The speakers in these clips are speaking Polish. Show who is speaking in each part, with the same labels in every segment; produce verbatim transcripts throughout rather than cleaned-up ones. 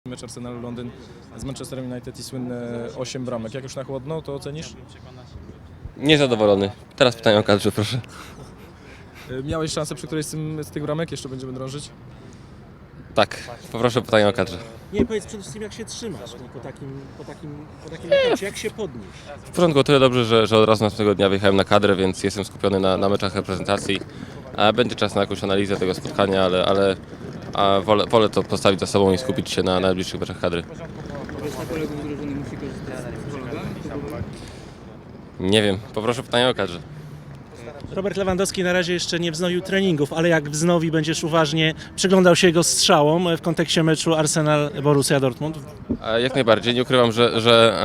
Speaker 1: Mecz Arsenal Londyn z Manchesterem United i słynne osiem bramek. Jak już na chłodno, to ocenisz?
Speaker 2: Niezadowolony. Teraz pytanie o kadrze, proszę.
Speaker 1: Miałeś szansę przy którejś z, tym, z tych bramek? Jeszcze będziemy drążyć?
Speaker 2: Tak, poproszę pytanie o kadrze.
Speaker 3: Nie, powiedz przede wszystkim jak się trzymasz no, po takim, po takim, po takim meczu, jak się podnieść.
Speaker 2: W porządku, o tyle dobrze, że, że od razu następnego dnia wyjechałem na kadrę, więc jestem skupiony na, na meczach reprezentacji. A będzie czas na jakąś analizę tego spotkania, ale, ale a wolę, wolę to postawić za sobą i skupić się na najbliższych meczach kadry.
Speaker 4: Reszta kolegów drużyny musi korzystać z psychologa?
Speaker 2: Nie wiem, poproszę pytanie o kadrze.
Speaker 3: Robert Lewandowski na razie jeszcze nie wznowił treningów, ale jak wznowi, będziesz uważnie przyglądał się jego strzałom w kontekście meczu Arsenal-Borussia Dortmund?
Speaker 2: A jak najbardziej, nie ukrywam, że, że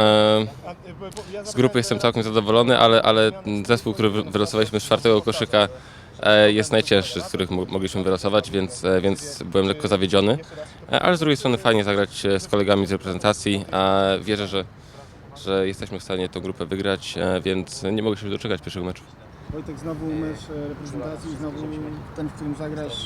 Speaker 2: e, z grupy jestem całkiem zadowolony, ale, ale zespół, który wy- wylosowaliśmy z czwartego koszyka e, jest najcięższy, z których mo- mogliśmy wylosować, więc, e, więc byłem lekko zawiedziony. E, ale z drugiej strony fajnie zagrać e, z kolegami z reprezentacji, a wierzę, że, że jesteśmy w stanie tę grupę wygrać, e, więc nie mogę się doczekać pierwszego meczu.
Speaker 5: Wojtek, znowu mecz e, reprezentacji, znowu ten, w którym zagrasz,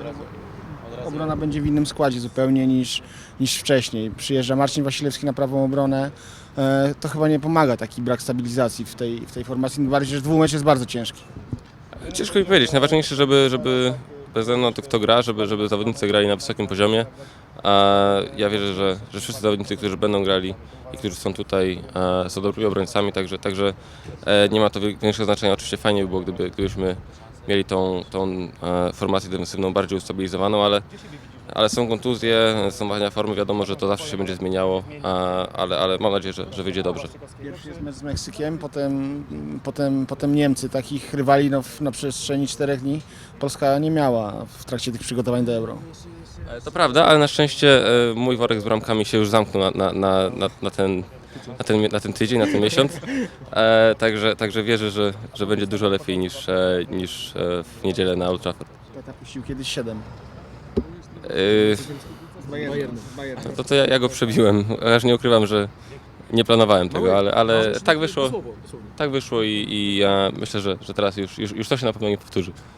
Speaker 5: e, obrona będzie w innym składzie zupełnie niż, niż wcześniej. Przyjeżdża Marcin Wasilewski na prawą obronę, e, to chyba nie pomaga taki brak stabilizacji w tej, w tej formacji, tym bardziej, że dwumecz jest bardzo ciężki.
Speaker 2: Ciężko mi powiedzieć. Najważniejsze, żeby, żeby bez względu na to, kto gra, żeby, żeby zawodnicy grali na wysokim poziomie. A ja wierzę, że, że wszyscy zawodnicy, którzy będą grali i którzy są tutaj, e, są dobrymi obrońcami, także, także e, nie ma to większego znaczenia. Oczywiście fajnie by było, gdyby, gdybyśmy mieli tą, tą e, formację defensywną bardziej ustabilizowaną, ale, ale są kontuzje, są wahania formy, wiadomo, że to zawsze się będzie zmieniało, a, ale, ale mam nadzieję, że, że wyjdzie dobrze.
Speaker 5: Pierwszy jest mecz z Meksykiem, potem, potem, potem Niemcy. Takich rywali no, w- na przestrzeni czterech dni Polska nie miała w trakcie tych przygotowań do Euro.
Speaker 2: E, To prawda, ale na szczęście e, mój worek z bramkami się już zamknął na, na, na, na, na, ten, na, ten, na ten tydzień, na ten miesiąc. E, także, także wierzę, że, że będzie dużo lepiej niż, e, niż e, w niedzielę na Old Trafford.
Speaker 5: Tata puścił kiedyś siedem.
Speaker 2: E,
Speaker 4: Bayern, Bayern.
Speaker 2: to to ja, ja go przebiłem. Aż nie ukrywam, że nie planowałem tego, ale, ale tak wyszło, tak wyszło i, i ja myślę, że, że teraz już, już, już to się na pewno nie powtórzy.